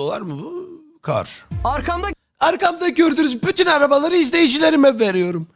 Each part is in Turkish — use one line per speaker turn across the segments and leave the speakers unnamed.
dolar mı bu? Kar.
Arkamda
Arkamda gördüğünüz bütün arabaları izleyicilerime veriyorum.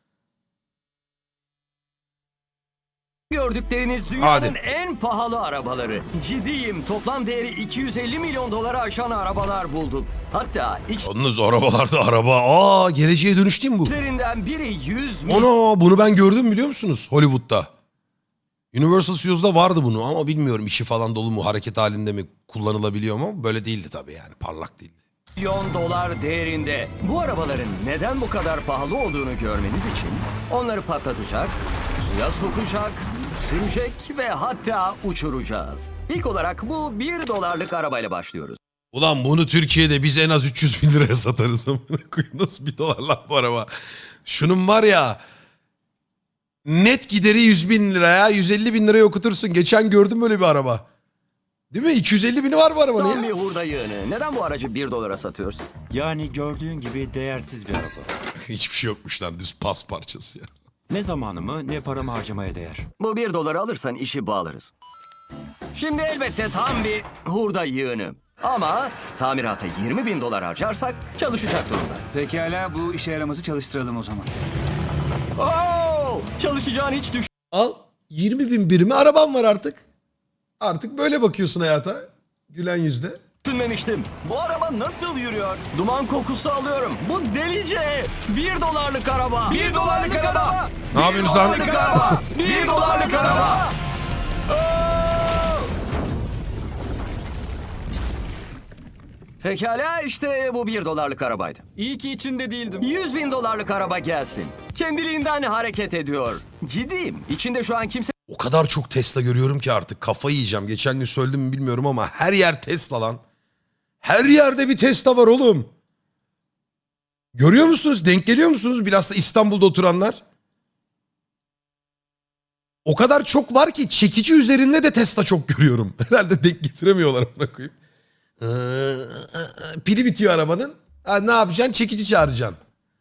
gördükleriniz dünyanın en pahalı arabaları. Ciddiyim. Toplam değeri 250 milyon dolara aşan arabalar bulduk. Hatta
Yalnız arabalarda araba. Aa, geleceğe dönüş değil mi bu?
içlerinden biri 100 milyon
Ono, bunu ben gördüm biliyor musunuz? Hollywood'da. Universal Studios'da vardı bunu ama bilmiyorum içi falan dolu mu, hareket halinde mi kullanılabiliyor mu? Böyle değildi tabii yani, parlak değildi.
dolar değerinde. Bu arabaların neden bu kadar pahalı olduğunu görmeniz için onları patlatacak, suya sokacak, sürecek ve hatta uçuracağız. İlk olarak bu 1 dolarlık arabayla başlıyoruz.
Ulan bunu Türkiye'de biz en az 300 bin liraya satarız. Amına koyayım, nasıl 1 dolar lan bu araba? Şunun var ya, net gideri 100 bin liraya, 150 bin liraya okutursun. Geçen gördüm böyle bir araba. Değil mi? 250 bini var bu arabanın
Tam bir
ya.
hurda yığını. Neden bu aracı 1 dolara satıyorsun?
Yani gördüğün gibi değersiz bir araba.
Hiçbir şey yokmuş lan, düz pas parçası ya.
Ne zamanımı ne paramı harcamaya değer.
Bu 1 doları alırsan işi bağlarız. Şimdi elbette tam bir hurda yığını. Ama tamirata 20 bin dolar harcarsak çalışacak durumda.
Pekala bu işe yaramazı çalıştıralım o zaman.
Oo, çalışacağını hiç
Al, 20 bin birimi araban var artık. Artık böyle bakıyorsun hayata. Gülen yüzle.
düşünmemiştim.
Bu araba nasıl yürüyor?
Duman kokusu alıyorum. Bu delice. 1 dolarlık araba. 1 dolarlık araba.
Ne yapıyorsunuz lan?
1 dolarlık araba. Pekala işte bu 1 dolarlık arabaydı.
İyi ki içinde değildim.
100 bin dolarlık araba gelsin. Kendiliğinden hareket ediyor. Ciddiyim. İçinde şu an kimse
O kadar çok Tesla görüyorum ki artık kafayı yiyeceğim. Geçen gün söyledim mi bilmiyorum ama her yer Tesla lan. Her yerde bir Tesla var oğlum. Görüyor musunuz? Denk geliyor musunuz? Bilhassa İstanbul'da oturanlar. O kadar çok var ki çekici üzerinde de Tesla çok görüyorum. Herhalde denk getiremiyorlar ona koyayım. Pili bitiyor arabanın. Ha, ne yapacaksın? Çekici çağıracaksın.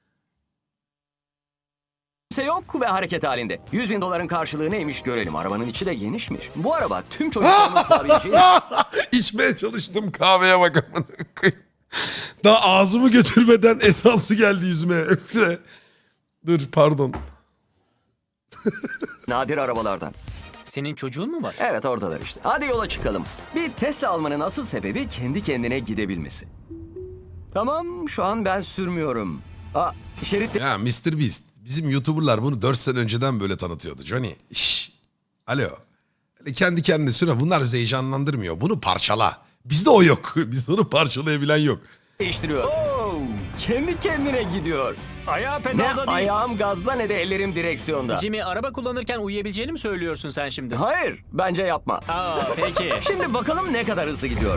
yok ve hareket halinde. 100 bin doların karşılığı neymiş görelim. Arabanın içi de genişmiş. Bu araba tüm çocukların sığabileceği...
İçmeye çalıştım, kahveye bak amına koyayım. Daha ağzımı götürmeden esansı geldi yüzüme. Dur pardon.
nadir arabalardan.
Senin çocuğun mu var?
Evet oradalar işte. Hadi yola çıkalım. Bir Tesla almanın asıl sebebi kendi kendine gidebilmesi. Tamam şu an ben sürmüyorum. Şerit
Ya Mr. Beast. Bizim YouTuber'lar bunu 4 sene önceden böyle tanıtıyordu. Johnny. Şşş. Alo. Öyle kendi kendine süre. Bunlar bizi heyecanlandırmıyor. Bunu parçala. Bizde o yok. Bizde onu parçalayabilen yok.
değiştiriyor. Kendi kendine gidiyor.
Ayağı
Ne
pedalda değil.
ayağım gazda ne de ellerim direksiyonda.
Jimmy, araba kullanırken uyuyabileceğini mi söylüyorsun sen şimdi?
Hayır bence yapma.
Aa, peki.
Şimdi bakalım ne kadar hızlı gidiyor.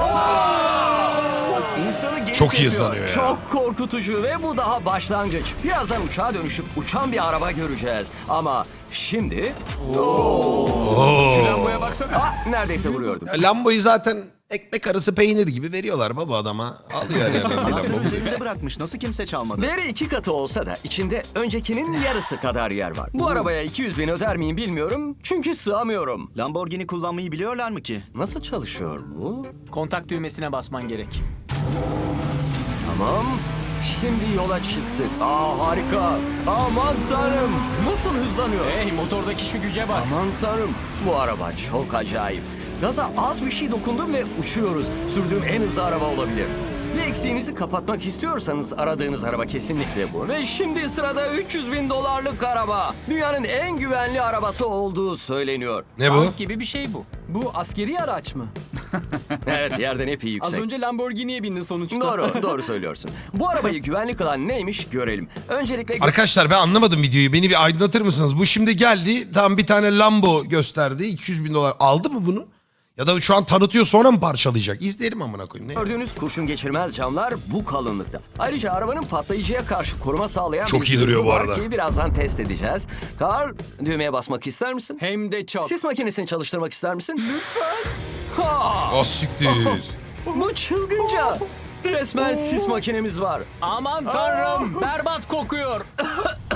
Çok iyi hızlanıyor ya.
Çok korkutucu ve bu daha başlangıç. Birazdan uçağa dönüşüp uçan bir araba göreceğiz. Ama şimdi...
Lamboya baksana.
Neredeyse vuruyordum.
Ya Lambo'yu zaten ekmek arası peynir gibi veriyorlar baba adama. Alıyor her yerden bir Lambo.
Üzerinde bırakmış. Nasıl kimse çalmadı?
Değeri 2 katı olsa da içinde öncekinin yarısı kadar yer var. Bu arabaya 200 bin öder miyim bilmiyorum. Çünkü sığamıyorum.
Lamborghini kullanmayı biliyorlar mı ki?
Nasıl çalışıyor bu?
Kontak düğmesine basman gerek.
Tamam. Şimdi yola çıktık. Harika. Aman tanrım. Nasıl hızlanıyor?
Hey, motordaki şu güce bak.
Aman tanrım. Bu araba çok acayip. Gaza az bir şey dokundum ve uçuyoruz. Sürdüğüm en hızlı araba olabilir. Bir eksiğinizi kapatmak istiyorsanız aradığınız araba kesinlikle bu. Ve şimdi sırada 300 bin dolarlık araba. Dünyanın en güvenli arabası olduğu söyleniyor.
Ne bu?
Tank gibi bir şey bu.
Bu askeri araç mı?
Evet yerden epey
Az
yüksek.
önce Lamborghini'ye bindin sonuçta.
Doğru söylüyorsun. Bu arabayı güvenli kılan neymiş görelim. Öncelikle
Arkadaşlar ben anlamadım videoyu. Beni bir aydınlatır mısınız? Bu şimdi geldi. Tam bir tane Lambo gösterdi. 200 bin dolar. Aldı mı bunu? Ya da şu an tanıtıyor sonra mı parçalayacak? İzleyelim amına koyayım. Ne?
gördüğünüz kurşun geçirmez camlar bu kalınlıkta. Ayrıca arabanın patlayıcıya karşı koruma sağlayan
Çok
bir
iyi duruyor
zırhı
bu
var
arada.
ki birazdan test edeceğiz. Karl düğmeye basmak ister misin?
Hem de çok.
Sis makinesini çalıştırmak ister misin? Lütfen. Ha,
Ah siktir.
bu çılgınca. Resmen sis makinemiz var.
Aman tanrım, berbat kokuyor.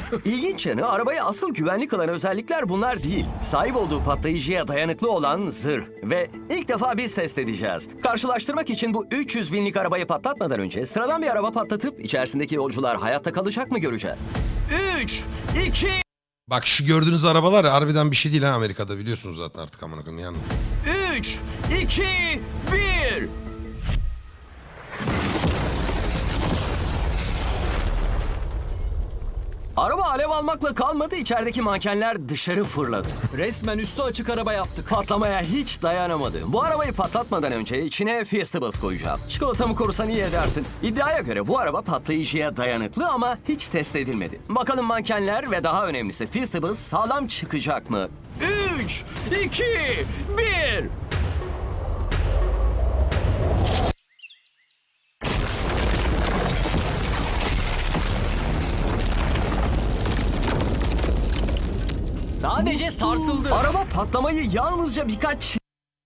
İlginç yanı arabayı asıl güvenli kılan özellikler bunlar değil. Sahip olduğu patlayıcıya dayanıklı olan zırh. Ve ilk defa biz test edeceğiz. Karşılaştırmak için bu 300 binlik arabayı patlatmadan önce sıradan bir araba patlatıp içerisindeki yolcular hayatta kalacak mı göreceğiz. 3, 2,
Bak şu gördüğünüz arabalar ya, harbiden bir şey değil ha Amerika'da, biliyorsunuz zaten artık amına koyayım yani.
3, 2, 1. Araba alev almakla kalmadı, içerideki mankenler dışarı fırladı.
Resmen üstü açık araba yaptık.
Patlamaya hiç dayanamadı. Bu arabayı patlatmadan önce içine Feastables koyacağım. Çikolatamı korusan iyi edersin. İddiaya göre bu araba patlayıcıya dayanıklı ama hiç test edilmedi. Bakalım mankenler ve daha önemlisi Feastables sağlam çıkacak mı? 3, 2, 1.
Sadece sarsıldı.
Araba patlamayı yalnızca birkaç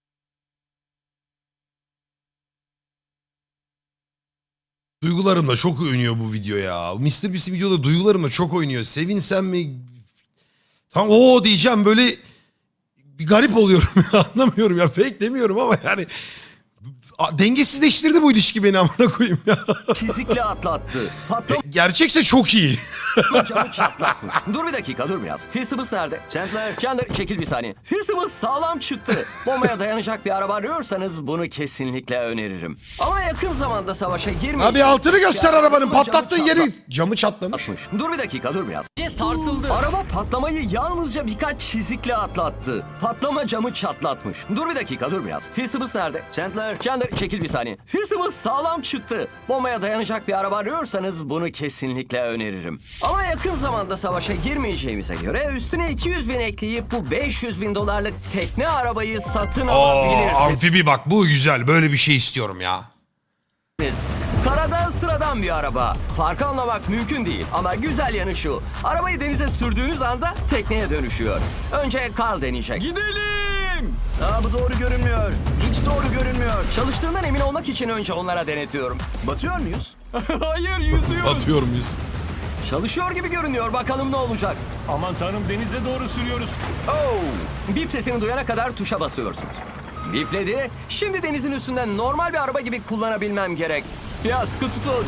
Duygularımla çok oynuyor bu video ya. Mr. Beast videoda duygularımla çok oynuyor. Sevinsem mi? Tam o diyeceğim, böyle bir garip oluyorum ya, anlamıyorum ya. Fake demiyorum ama yani dengesizleştirdi bu ilişki beni, amına koyayım ya.
çizikle atlattı. Patlama
Gerçekse çok iyi.
camı çatlatmış. Dur bir dakika, dur biraz. Feastables nerede?
Chandler.
Chandler çekil bir saniye. Feastables sağlam çıktı. Bombaya dayanacak bir araba arıyorsanız bunu kesinlikle öneririm. Ama yakın zamanda savaşa girmeyin.
Abi altını göster arabanın,
Camı
patlattığın
çatlat-
yeri. Camı çatlamış.
Dur bir dakika, dur biraz.
Sadece sarsıldı.
Araba patlamayı yalnızca birkaç çizikle atlattı. Patlama camı çatlatmış. Dur bir dakika, dur biraz. Feastables nerede?
Chandler.
Chandler çekil bir saniye. Feastables sağlam çıktı. Bombaya dayanacak bir araba arıyorsanız bunu kesinlikle öneririm. Ama yakın zamanda savaşa girmeyeceğimize göre üstüne 200 bin ekleyip bu 500 bin dolarlık tekne arabayı satın
Oo,
alabilirsiniz.
amfibi bak, bu güzel. Böyle bir şey istiyorum ya.
Karada sıradan bir araba. Farkı anlamak mümkün değil ama güzel yanı şu. Arabayı denize sürdüğünüz anda tekneye dönüşüyor. Önce Carl deneyecek.
Gidelim. Aa, bu doğru görünmüyor. Hiç doğru görünmüyor.
Çalıştığından emin olmak için önce onlara denetiyorum.
Batıyor muyuz?
Hayır, yüzüyor.
Atıyor muyuz?
Çalışıyor gibi görünüyor. Bakalım ne olacak.
Aman tanrım, denize doğru sürüyoruz.
Oh! Bip sesini duyana kadar tuşa basıyorsunuz. Bipledi. Şimdi denizin üstünden normal bir araba gibi kullanabilmem gerek. Ya sıkı tutun.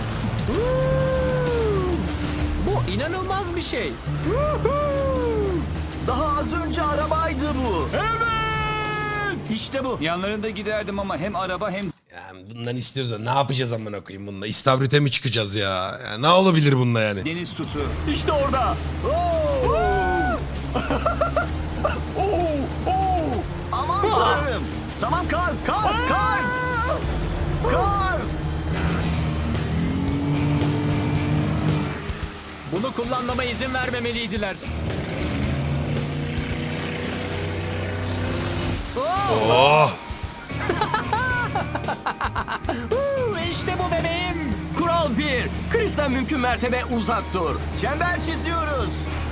Bu inanılmaz bir şey.
Daha az önce arabaydı bu.
Evet.
İşte bu.
Yanlarında giderdim ama hem araba hem
Yani bundan istiyoruz da ne yapacağız amına koyayım bununla? İstavrite mi çıkacağız ya? Yani ne olabilir bunda yani?
deniz tutu.
İşte orada.
Aman tanrım. Tamam kar. Kar.
Bunu kullanmama izin vermemeliydiler.
Oh!
İşte bu bebeğim.
Kural 1. Chris'ten mümkün mertebe uzak dur.
Çember çiziyoruz.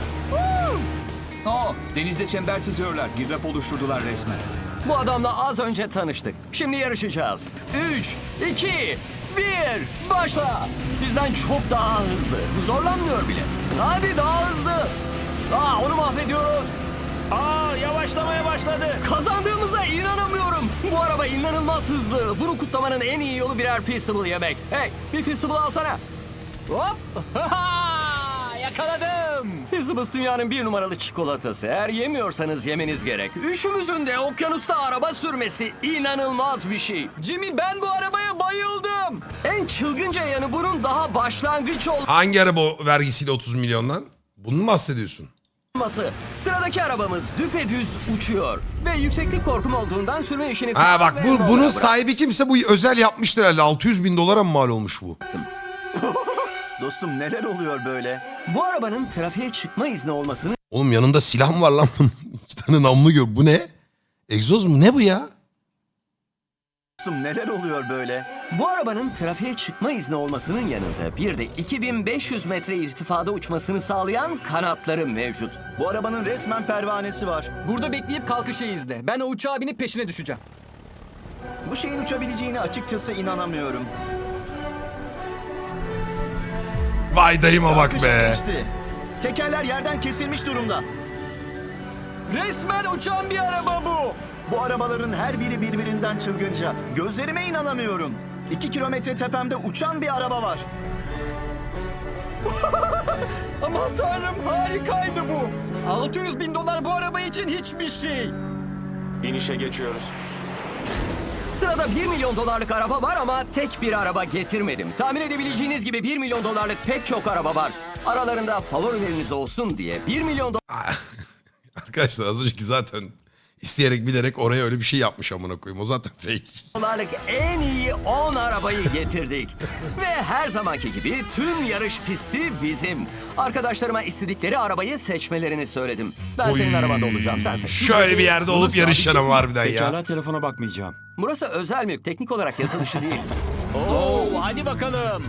Denizde çember çiziyorlar. Girdap oluşturdular resmen.
Bu adamla az önce tanıştık. Şimdi yarışacağız. 3, 2, 1, başla. Bizden çok daha hızlı. Zorlanmıyor bile. Hadi daha hızlı. Onu mahvediyoruz.
Yavaşlamaya başladı.
Kazandığımıza inanamıyorum. Bu araba inanılmaz hızlı. Bunu kutlamanın en iyi yolu birer Feastable yemek. Hey, bir Feastable alsana.
Hop. Yakaladım.
Feastables dünyanın 1 numaralı çikolatası. Eğer yemiyorsanız yemeniz gerek. Üçümüzün de okyanusta araba sürmesi inanılmaz bir şey.
Jimmy, ben bu arabaya bayıldım.
En çılgınca yanı bunun daha başlangıç
Hangi araba vergisiyle 30 milyondan? Bunu mu bahsediyorsun?
olması. Sıradaki arabamız düpedüz uçuyor. Ve yükseklik korkum olduğundan sürme işini...
Ha bak,
ve
bunun
mola bırak-
sahibi kimse bu özel yapmıştır herhalde. 600 bin dolara mı mal olmuş bu?
Dostum neler oluyor böyle?
Bu arabanın trafiğe çıkma izni olmasının
Oğlum yanında silah mı var lan bunun? 2 tane namlu gör. Bu ne? Egzoz mu? Ne bu ya?
Dostum neler oluyor böyle?
Bu arabanın trafiğe çıkma izni olmasının yanında bir de 2500 metre irtifada uçmasını sağlayan kanatları mevcut.
Bu arabanın resmen pervanesi var.
Burada bekleyip kalkışı izle. Ben o uçağa binip peşine düşeceğim.
Bu şeyin uçabileceğine açıkçası Tekerler yerden kesilmiş durumda.
Resmen uçan bir araba bu.
Bu arabaların her biri birbirinden çılgınca. Gözlerime inanamıyorum. 2 kilometre tepemde uçan bir araba var.
Aman tanrım, harikaydı bu. 600 bin dolar bu araba için hiçbir şey.
İnişe geçiyoruz.
Sırada 1 milyon dolarlık araba var ama tek bir araba getirmedim. Tahmin edebileceğiniz gibi 1 milyon dolarlık pek çok araba var. Aralarında favorileriniz olsun diye 1 milyon
Arkadaşlar az önceki zaten isteyerek bilerek oraya öyle bir şey yapmış amına koyayım. O zaten fake.
dolarlık en iyi 10 arabayı getirdik. Ve her zamanki gibi tüm yarış pisti bizim. Arkadaşlarıma istedikleri arabayı seçmelerini söyledim. Ben senin arabanda olacağım, sen seç.
Şöyle bir yerde olup yarışacaksın ama harbiden ya.
Pekala telefona bakmayacağım.
Burası özel mülk, teknik olarak yasa dışı değil.
Oo, hadi bakalım.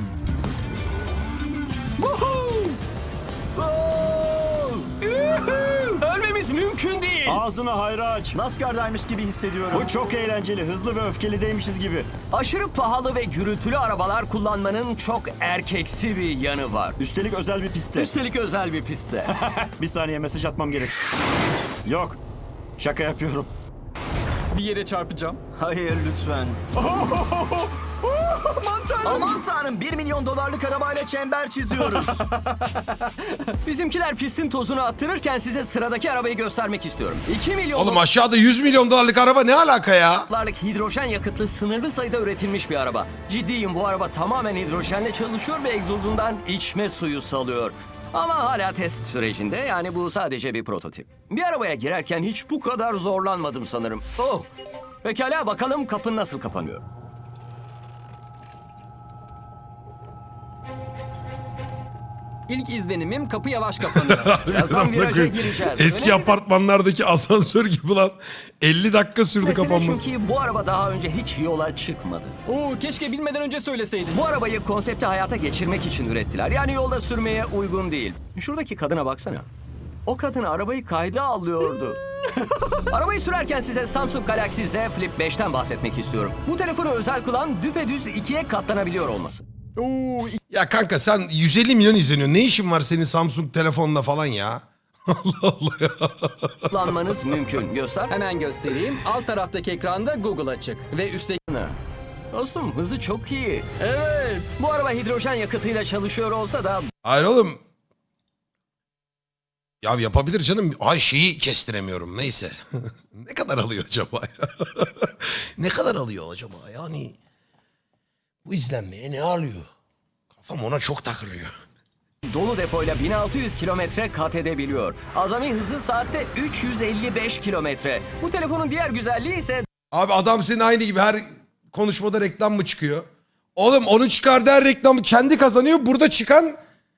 Ölmemiz mümkün değil.
Ağzını hayra aç.
NASCAR'daymış gibi hissediyorum.
Bu çok eğlenceli. Hızlı ve öfkelideymişiz gibi.
Aşırı pahalı ve gürültülü arabalar kullanmanın çok erkeksi bir yanı var.
Üstelik özel bir pistte.
Üstelik özel bir pistte.
Bir saniye mesaj atmam gerek. Yok. Şaka yapıyorum.
Bir yere çarpacağım.
Hayır lütfen.
Aman tanrım.
Aman tanrım 1 milyon dolarlık arabayla çember çiziyoruz.
Bizimkiler pistin tozunu attırırken size sıradaki arabayı göstermek istiyorum. 2 milyon
Oğlum aşağıda 100 milyon dolarlık araba ne alaka ya?
dolarlık hidrojen yakıtlı sınırlı sayıda üretilmiş bir araba. Ciddiyim, bu araba tamamen hidrojenle çalışıyor ve egzozundan içme suyu salıyor. Ama hala test sürecinde, yani bu sadece bir prototip. Bir arabaya girerken hiç bu kadar zorlanmadım sanırım. Oh! Pekala, bakalım kapı nasıl kapanıyor.
İlk izlenimim kapı yavaş kapanıyor.
Birazdan
Amına
viraja
koyayım.
gireceğiz.
Eski
Önemli
apartmanlardaki asansör gibi lan. 50 dakika sürdü
mesele
kapanması.
çünkü bu araba daha önce hiç yola çıkmadı.
Oo, keşke bilmeden önce söyleseydin.
Bu arabayı konsepti hayata geçirmek için ürettiler. Yani yolda sürmeye uygun değil. Şuradaki kadına baksana. O kadın arabayı kayda alıyordu. Arabayı sürerken size Samsung Galaxy Z Flip 5'ten bahsetmek istiyorum. Bu telefonu özel kılan düpedüz ikiye katlanabiliyor olması.
Oo,
Ya kanka sen 150 milyon izleniyorsun. Ne işin var senin Samsung telefonla falan ya? Allah Allah ya.
Kullanmanız mümkün. Göster.
hemen göstereyim. Alt taraftaki ekranda Google açık. Ve üstteki...
Dostum, hızı çok iyi.
Evet.
Bu araba hidrojen yakıtıyla çalışıyor olsa da
Hayır oğlum. Ya yapabilir canım. Ay şeyi kestiremiyorum. Neyse. Ne kadar alıyor acaba ya? Ne kadar alıyor acaba? Yani bu izlenmeye ne alıyor? Kafam ona çok takılıyor.
dolu depoyla 1600 kilometre kat edebiliyor. Azami hızı saatte 355 kilometre. Bu telefonun diğer güzelliği ise
Abi adam senin aynı gibi her konuşmada reklam mı çıkıyor? Oğlum onun çıkardığı her reklamı kendi kazanıyor. Burada çıkan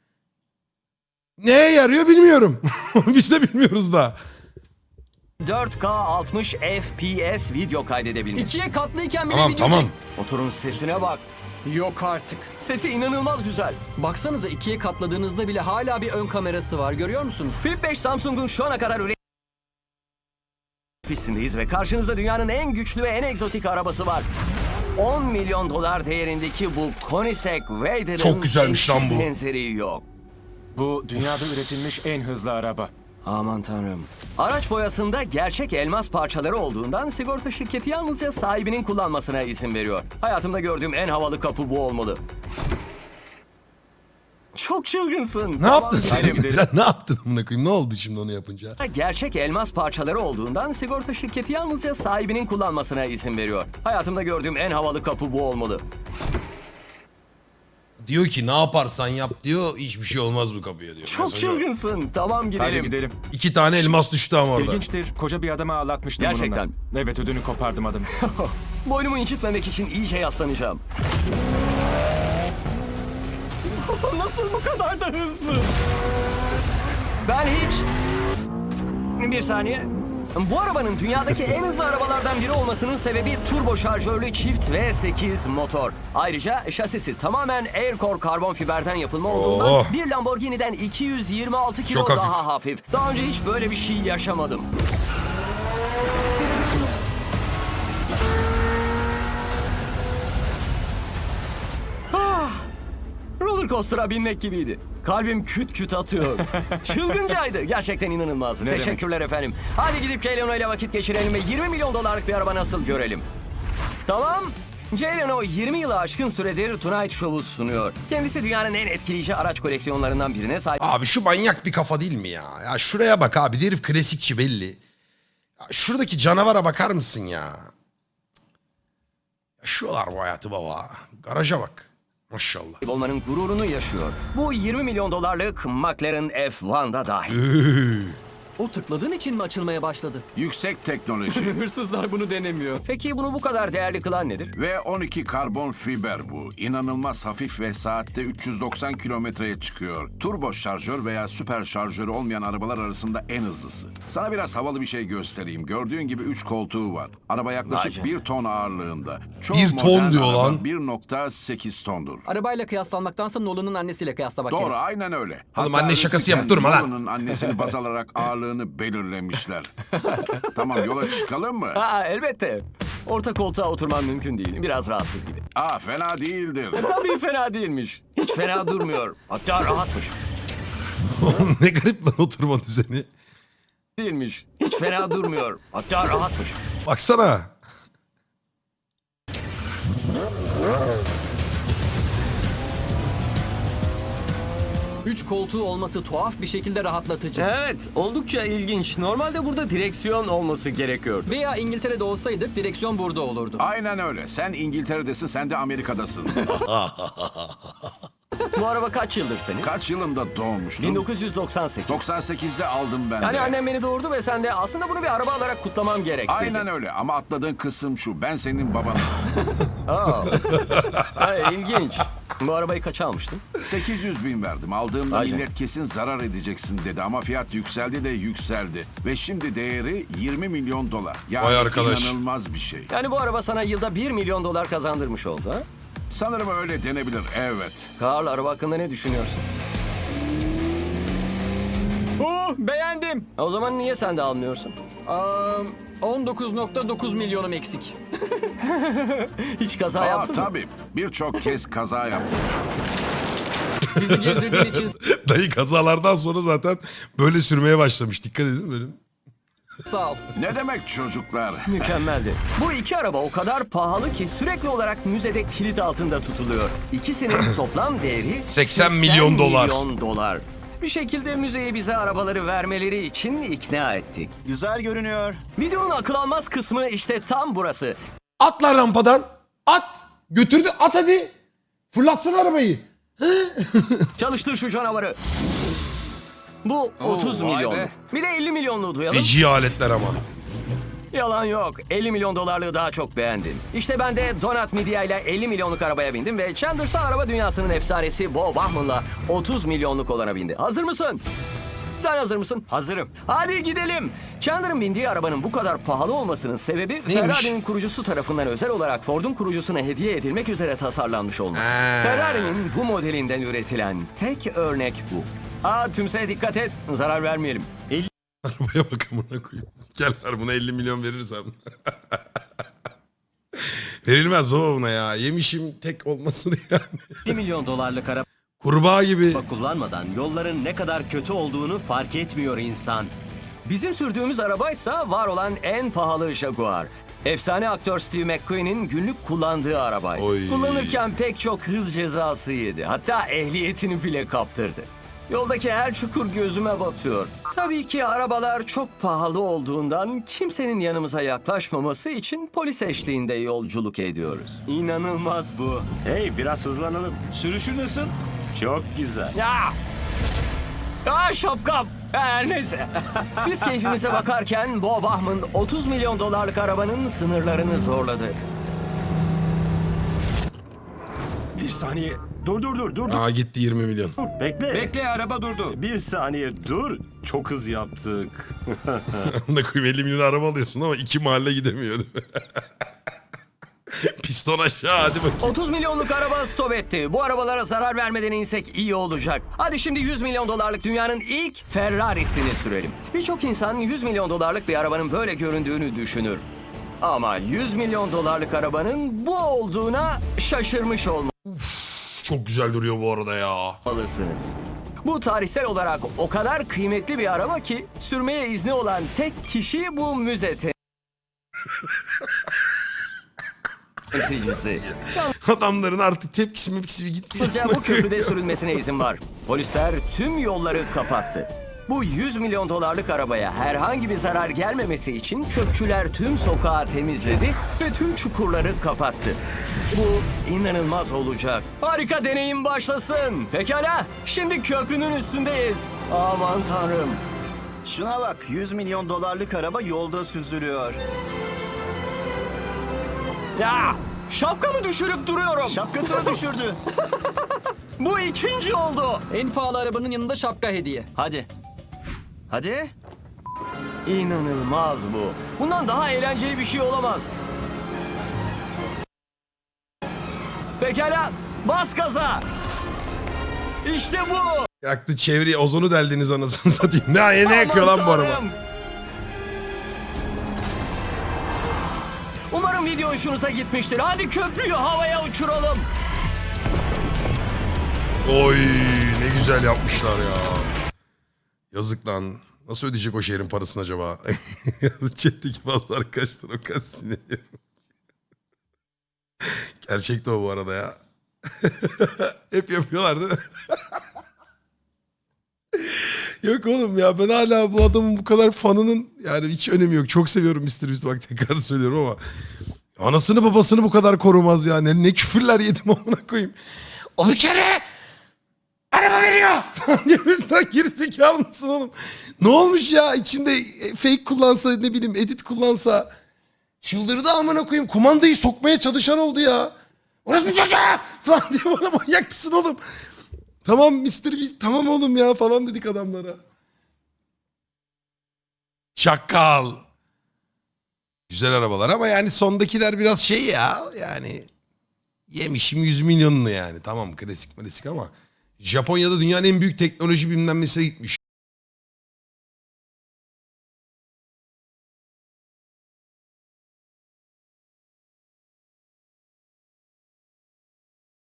neye yarıyor bilmiyorum. Biz de bilmiyoruz da.
4K 60 FPS video kaydedebilmiş.
İkiye katlıyken bile
Tamam
video
tamam.
Motorun sesine bak.
Yok artık.
Sesi inanılmaz güzel.
Baksanıza ikiye katladığınızda bile hala bir ön kamerası var. Görüyor musunuz?
Flip 5 Samsung'un şu ana kadar pistindeyiz ve karşınızda dünyanın en güçlü ve en egzotik arabası var. 10 milyon dolar değerindeki bu Koenigsegg Raider'ın
Çok güzelmiş lan bu.
benzeri yok.
Bu dünyada üretilmiş en hızlı araba.
Aman tanrım. Araç boyasında gerçek elmas parçaları olduğundan sigorta şirketi yalnızca sahibinin kullanmasına izin veriyor. Hayatımda gördüğüm en havalı kapı bu olmalı. Çok çılgınsın.
Ne yaptın sen?
gidelim.
Sen ne yaptın amına koyayım? Ne oldu şimdi onu yapınca?
Gerçek elmas parçaları olduğundan sigorta şirketi yalnızca sahibinin kullanmasına izin veriyor. Hayatımda gördüğüm en havalı kapı bu olmalı.
Diyor ki ne yaparsan yap diyor. Hiçbir şey olmaz bu kapıya diyor.
Çok
Mesajı o.
çılgınsın. Tamam
Hadi
gidelim.
gidelim.
2 tane elmas düştü ama orada.
İlginçtir. Koca bir adamı ağlatmıştım
Gerçekten.
bununla. Evet, ödünü kopardım adamı.
Boynumu incitmemek için iyice yaslanacağım.
Nasıl bu kadar da hızlı?
Ben hiç... Bir saniye. Bu arabanın dünyadaki en hızlı arabalardan biri olmasının sebebi turbo şarjörlü çift V8 motor. Ayrıca şasisi tamamen Aircore karbon fiberden yapılma olduğundan
Oh.
bir Lamborghini'den 226 kilo
Çok hafif.
daha hafif. Daha önce hiç böyle bir şey yaşamadım. Roller roller coaster'a binmek gibiydi. Kalbim küt küt atıyor. Çılgıncaydı. Gerçekten inanılmazdı. Teşekkürler efendim. Hadi gidip Jay Leno ile vakit geçirelim ve 20 milyon dolarlık bir araba nasıl görelim. Tamam. Jay Leno 20 yılı aşkın süredir Tonight Show'u sunuyor. Kendisi dünyanın en etkileyici araç koleksiyonlarından birine sahip.
Abi şu manyak bir kafa değil mi ya? Ya şuraya bak abi, herif klasikçi belli. Ya şuradaki canavara bakar mısın ya? Yaşıyorlar bu hayatı baba. Garaja bak. Maşallah.
Olmanın gururunu yaşıyor. Bu 20 milyon dolarlık McLaren F1'da dahil.
O tıkladığın için mi açılmaya başladı?
Yüksek teknoloji
Hırsızlar bunu denemiyor.
Peki bunu bu kadar değerli kılan nedir?
ve 12 karbon fiber bu. İnanılmaz hafif ve saatte 390 kilometreye çıkıyor. Turbo şarjör veya süper şarjörü olmayan arabalar arasında en hızlısı. Sana biraz havalı bir şey göstereyim. Gördüğün gibi 3 koltuğu var. Araba yaklaşık
Vay
1 ton ağırlığında. Çoğu
1 ton
modern
diyor
araba
lan.
1.8 tondur.
Arabayla kıyaslanmaktansa Nolan'ın annesiyle kıyaslamak
Doğru,
gerek.
aynen öyle.
Oğlum
Hatta
anne şakası yapıp
üretiken
durma lan.
Nolan'ın annesini baz alarak ağırlığını belirlemişler. Tamam, yola çıkalım mı?
Aa, elbette. Orta koltuğa oturman mümkün değil. Biraz rahatsız gibi.
Fena değildir.
Tabii fena değilmiş. Hiç fena durmuyor. Hatta rahatmış.
Oğlum ne garip lan oturma düzeni.
Değilmiş. Hiç fena durmuyor. Hatta rahatmış.
Baksana.
Üç koltuğu olması tuhaf bir şekilde rahatlatıcı.
Evet, oldukça ilginç. Normalde burada direksiyon olması gerekiyordu.
Veya İngiltere'de olsaydık direksiyon burada olurdu.
Aynen öyle. Sen İngiltere'desin, sen de Amerika'dasın.
Bu araba kaç yıldır senin?
Kaç yılında doğmuştun?
1998.
98'de aldım ben de.
Yani annem beni doğurdu ve sen de aslında bunu bir araba alarak kutlamam gerek.
Aynen öyle ama atladığın kısım şu. Ben senin babanım.
İlginç. Bu arabayı kaça almıştın?
800 bin verdim. Aldığımda
Vay canına.
millet kesin zarar edeceksin dedi ama fiyat yükseldi de yükseldi. Ve şimdi değeri 20 milyon dolar. Yani
Vay arkadaş.
inanılmaz bir şey.
Yani bu araba sana yılda 1 milyon dolar kazandırmış oldu ha?
Sanırım öyle denebilir, evet.
Karl, araba hakkında ne düşünüyorsun?
Beğendim.
O zaman niye sen de almıyorsun?
19.9 milyonum eksik.
Hiç kaza yaptın mı?
Tabii. Birçok kez kaza yaptım.
Bizi gezdirdiğin için
Dayı kazalardan sonra zaten böyle sürmeye başlamış. Dikkat edin böyle.
sağ ol.
Ne demek çocuklar?
Mükemmeldi. Bu iki araba o kadar pahalı ki sürekli olarak müzede kilit altında tutuluyor. İkisinin toplam değeri
80 milyon dolar.
milyon dolar. Bir şekilde müzeye bize arabaları vermeleri için ikna ettik.
Güzel görünüyor.
Videonun akıl almaz kısmı işte tam burası.
At lan rampadan. At. Götürdü. At hadi. Fırlatsın arabayı.
Çalıştır şu canavarı. Bu 30
vay
milyon.
be.
Bir de 50 milyonluğu duyalım.
Feci aletler ama.
Yalan yok. 50 milyon dolarlığı daha çok beğendim. İşte ben de Donut Media ile 50 milyonluk arabaya bindim ve Chandler'sa araba dünyasının efsanesi Bo Bauman'la 30 milyonluk olana bindi. Hazır mısın? Sen hazır mısın?
Hazırım.
Hadi gidelim. Chandler'ın bindiği arabanın bu kadar pahalı olmasının sebebi
Neymiş?
Ferrari'nin kurucusu tarafından özel olarak Ford'un kurucusuna hediye edilmek üzere tasarlanmış olması.
Ha.
Ferrari'nin bu modelinden üretilen tek örnek bu. Tümseye dikkat et, zarar vermeyelim.
Arabaya bak amına koyayım. Gel ver buna 50 milyon verirsem. Verilmez baba buna ya. Yemişim tek olmasını yani.
1 milyon dolarlık araba
Kurbağa gibi.
kullanmadan yolların ne kadar kötü olduğunu fark etmiyor insan.
Bizim sürdüğümüz arabaysa var olan en pahalı Jaguar. Efsane aktör Steve McQueen'in günlük kullandığı arabaydı.
Oy.
Kullanırken pek çok hız cezası yedi. Hatta ehliyetini bile kaptırdı. Yoldaki her çukur gözüme batıyor. Tabii ki arabalar çok pahalı olduğundan kimsenin yanımıza yaklaşmaması için polis eşliğinde yolculuk ediyoruz.
İnanılmaz bu. Hey, biraz hızlanalım.
Sürüşü nasıl?
Çok güzel.
Ya! Şapkam! Her neyse. Biz keyfimize bakarken Bo Bauman 30 milyon dolarlık arabanın sınırlarını zorladı.
Bir saniye. Dur.
Aa gitti 20 milyon.
Bekle.
Bekle, araba durdu.
Bir saniye dur. Çok hız yaptık.
Amına koyayım 50 milyon araba alıyorsun ama 2 mahalle gidemiyor. Piston aşağı hadi bakayım.
30 milyonluk araba stop etti. Bu arabalara zarar vermeden insek iyi olacak. Hadi şimdi 100 milyon dolarlık dünyanın ilk Ferrari'sini sürelim. Birçok insan 100 milyon dolarlık bir arabanın böyle göründüğünü düşünür. Ama 100 milyon dolarlık arabanın bu olduğuna şaşırmış olmalı.
Çok güzel duruyor bu arada ya.
Almalısınız. Bu tarihsel olarak o kadar kıymetli bir araba ki sürmeye izni olan tek kişi bu müze temsilcisi.
Adamların artık tepkisi mepkisi bir gitmiyor.
Yalnızca bu köprüde sürülmesine izin var. Polisler tüm yolları kapattı. Bu 100 milyon dolarlık arabaya herhangi bir zarar gelmemesi için çöpçüler tüm sokağı temizledi ve tüm çukurları kapattı. Bu inanılmaz olacak. Harika deneyim başlasın. Pekala, şimdi köprünün üstündeyiz. Aman tanrım.
Şuna bak, 100 milyon dolarlık araba yolda süzülüyor.
Ya, şapkamı düşürüp duruyorum.
Şapkasını düşürdü.
Bu ikinci oldu.
En pahalı arabanın yanında şapka hediye.
Hadi. Hadi.
İnanılmaz bu. Bundan daha eğlenceli bir şey olamaz. Pekala, bas gaza. İşte bu.
Yaktı çevreyi, ozonu deldiniz anasını satayım. Ne yakıyor lan bu
Aman
araba?
Tanrım. Umarım video hoşunuza gitmiştir. Hadi köprüyü havaya uçuralım.
Oy ne güzel yapmışlar ya. Yazık lan. Nasıl ödeyecek o şehrin parasını acaba? Chat'teki bazı arkadaşlar o kadar sinirli. Gerçekte o bu arada ya. Hep yapıyorlar değil mi? Yok oğlum ya, ben hala bu adamın bu kadar fanının yani hiç önemi yok. Çok seviyorum Mr. Beast, bak tekrar söylüyorum ama anasını babasını bu kadar korumaz ya. Ne küfürler yedim amına koyayım. O bir kere araba veriyor. Cebimizden gerizekalı mısın oğlum? Ne olmuş ya, içinde fake kullansa, ne bileyim edit kullansa. Çıldırdı amına koyayım. Kumandayı sokmaya çalışan oldu ya. Orası bir çocuğa falan diye, bana manyak mısın oğlum? Tamam Mr. Beast, tamam oğlum ya falan dedik adamlara. Çakal. Güzel arabalar ama yani sondakiler biraz şey ya, yani yemişim 100 milyonunu yani. Tamam klasik ama Japonya'da dünyanın en büyük teknoloji bilmem nesine gitmiş.